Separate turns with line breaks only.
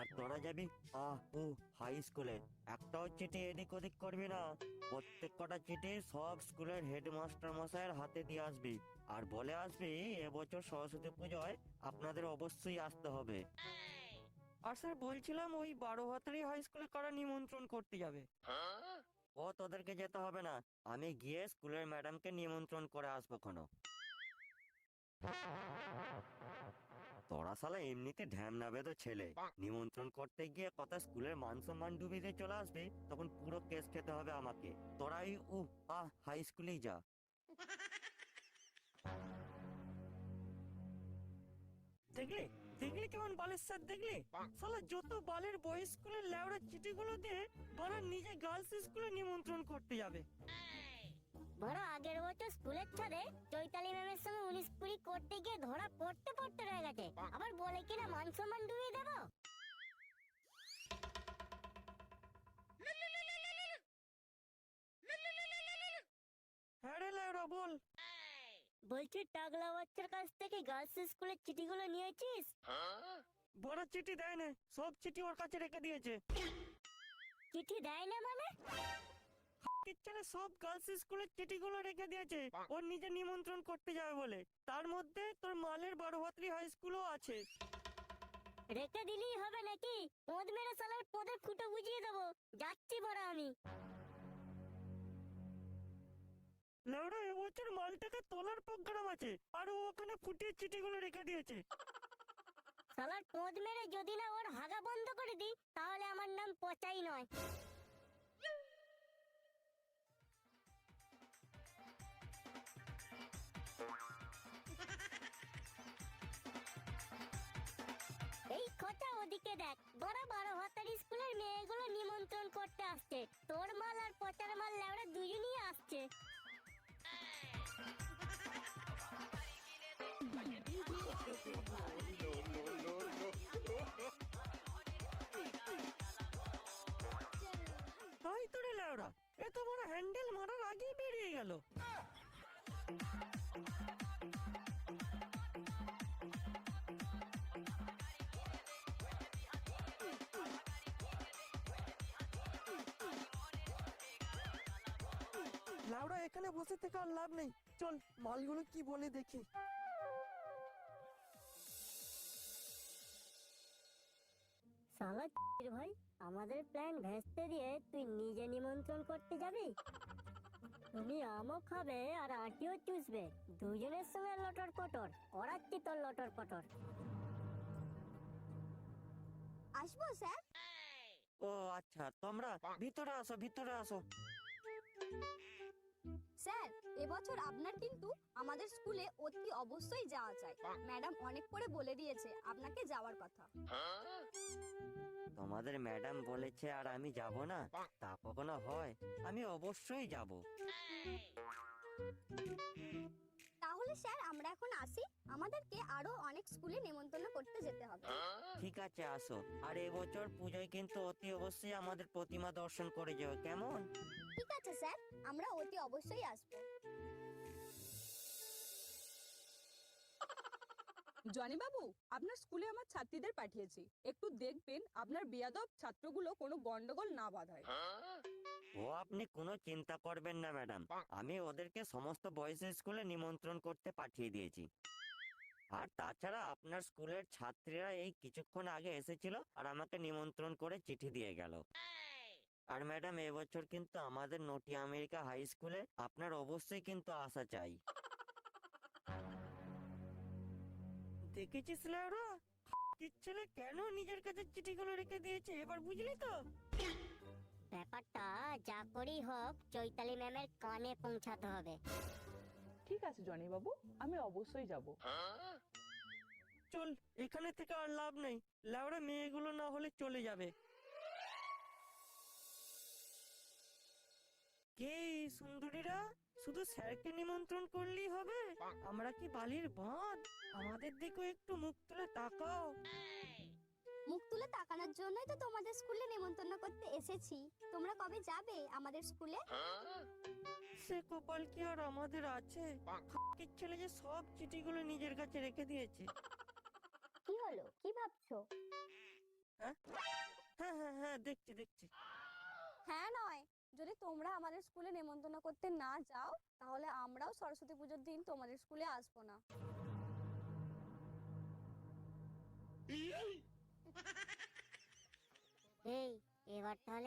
তোরা যাবি হাই স্কুলে। একটাও চিঠি এদিক ওদিক করবি না। প্রত্যেক কটা চিঠি সব স্কুলের হেডমাস্টার মশাইয়ের হাতে দিয়ে আসবি, আর বলে আসবি এবছর সরস্বতী পুজোয় আপনাদের অবশ্যই আসতে হবে। আর স্যার বলছিলাম ওই 12 ভাতারি হাই স্কুলে কারা নিমন্ত্রণ করতে যাবে? ও তোদেরকে যেতে হবে না, আমি গিয়ে স্কুলের ম্যাডামকে নিমন্ত্রণ করে আসবো কোনো। তোরা শালা এমনিতে ঢ্যামনা বেদো ছেলে, নিমন্ত্রণ করতে গিয়ে কথা স্কুলের মান সম্মান ডুবিয়ে চলে আসবে, তখন পুরো কেস খেতে হবে আমাকে। তোরাই হাই স্কুলেই যা। দেখলে দেখলে কেমন বালের স্যার, দেখলে শালা যত বালের বয়েজ স্কুলের লেওড়া চিঠিগুলো দিয়ে বারা নিজে গার্লস স্কুলে নিমন্ত্রণ করতে যাবে।
বড় আগের বছর স্কুলের ছাদে চৈতালি ম্যামের সঙ্গে 19-20 করতে গিয়ে ধরা পড়তে পড়তে রয়ে গেছে, আবার বলে কিনা মান সম্মান ডুবিয়ে দেবো।
হ্যাঁ রে লেওড়া বল।
বলছি টাগলা বাচ্চার কাছ থেকে গার্লস স্কুলের চিঠিগুলো নিয়েছিস?
বড় চিঠি দেয় না, সব চিঠি ওর কাছে রেখে দিয়েছে।
চিঠি দেয় না মানে?
কিচ্ছানে সব গার্লস স্কুলের চিঠিগুলো রেখে দিয়েছে ওর নিজে নিমন্ত্রণ করতে যাবে বলে। তার মধ্যে তোর মালের 12 ভাতারি হাই স্কুলও আছে।
রেখে দিলেই হবে নাকি? পদ মেরে সালার পদের ফুটো বুঝিয়ে দেবো। যাচ্ছি বড় আমি।
লেওড়া এবছর মালটাকে তোলার প্রোগ্রাম আছে, আর ও ওখানে ফুটিয়ে চিঠিগুলো রেখে দিয়েছে।
সালার পদ মেরে যদি না ওর হাগা বন্ধ করে দিই, তাহলে আমার নাম পচাই নয়। এই খোঁচা ওদিকে দেখ, বড় 12 ভাতারি স্কুলের মেয়েগুলো নিমন্ত্রণ করতে আসছে। তোর মাল আর পচার মাল লেওড়া দুজনই আসছে।
তাই তোরে লেওড়া, এত বড় হ্যান্ডেল মারার আগেই বেরিয়ে গেল। লাউড়া এখানে বসে থেকে আর লাভ নেই, চল মালগুলো কি বলে দেখি।
শালা ভাই, আমাদের প্ল্যান ভেস্তে দিয়ে তুই নিজে নিমন্ত্রণ করতে যাবি? তুমি আমও খাবে আর আটিও চুষবে, দুজনের সঙ্গে লটর পটর। করাচ্ছি তোর লটর পটর।
আসবো স্যার?
ও আচ্ছা, তোমরা ভিতরে আসো, ভিতরে আসো।
স্যার, এবছর আপনার কিন্তু আমাদের স্কুলে অতি অবশ্যই যাওয়া চাই। ম্যাডাম অনেক করে বলে দিয়েছে আপনাকে যাওয়ার কথা।
তোমাদের ম্যাডাম বলেছে আর আমি যাব না, তা কখনো হয়? আমি অবশ্যই যাব।
তাহলে স্যার আমরা এখন আসি, আমাদেরকে আরো অনেক স্কুলে নেমন্তন্ন করতে যেতে হবে।
ঠিক আছে, আসো। আর এবছর পুজোয় কিন্তু অতি অবশ্যই আমাদের প্রতিমা দর্শন করে যেও, কেমন?
ঠিক আছে স্যার, আমরা অতি অবশ্যই আসবো।
জনি বাবু, আপনার স্কুলে আমার ছাত্রীদের পাঠিয়েছি, একটু দেখবেন আপনার বেয়াদব ছাত্রগুলো কোনো গন্ডগোল না বাঁধায়।
ও আপনি কোনো চিন্তা করবেন না ম্যাডাম, আমি ওদেরকে সমস্ত বয়েজ স্কুলে নিমন্ত্রণ করতে পাঠিয়ে দিয়েছি। আর তাছাড়া আপনার স্কুলের ছাত্রীরা এই কিছুক্ষণ আগে এসেছিল আর আমাকে নিমন্ত্রণ করে চিঠি দিয়ে গেল। আর ম্যাডাম এবছর কিন্তু আমাদের নটি আমেরিকা হাই স্কুলে আপনার অবশ্যই কিন্তু আসা চাই। দেখেছিস লেওরা, ছেলে কেন নিজের কাছে চিঠিগুলো রেখে দিয়েছে, এবার বুঝলি তো?
ব্যাপারটা যা করেই হোক চৈতালি ম্যামের কানে পৌঁছাতে হবে।
ঠিক আছে জনি বাবু, আমি অবশ্যই যাব।
চল, এখানে থেকে আর লাভ নেই, লেওরা মেয়েগুলো না হলে চলে যাবে। কে সুন্দরীরা, শুধু স্যারকে নিমন্ত্রণ করলেই হবে? আমরা কি বালির বাঁধ? আমাদের দিকে একটু মুখ তুলে তাকাও।
মুখ তুলে তাকানোর জন্যই তো তোমাদের স্কুলে নেমন্তন্ন করতে এসেছি। তোমরা কবে যাবে আমাদের স্কুলে?
সে কপাল কি আর আমাদের আছে? ছেলে যে সব চিঠিগুলো নিজের কাছে রেখে দিয়েছে।
কি হলো, কি ভাবছো?
হ্যাঁ হ্যাঁ হ্যাঁ, দেখছি দেখছি।
হ্যাঁ নয়, যদি তোমরা আমাদের স্কুলে নেমন্তন্ন করতে না যাও তাহলে আমরাও সরস্বতী পুজোর দিন তোমাদের স্কুলে আসবো না।
এই এবার তাহলে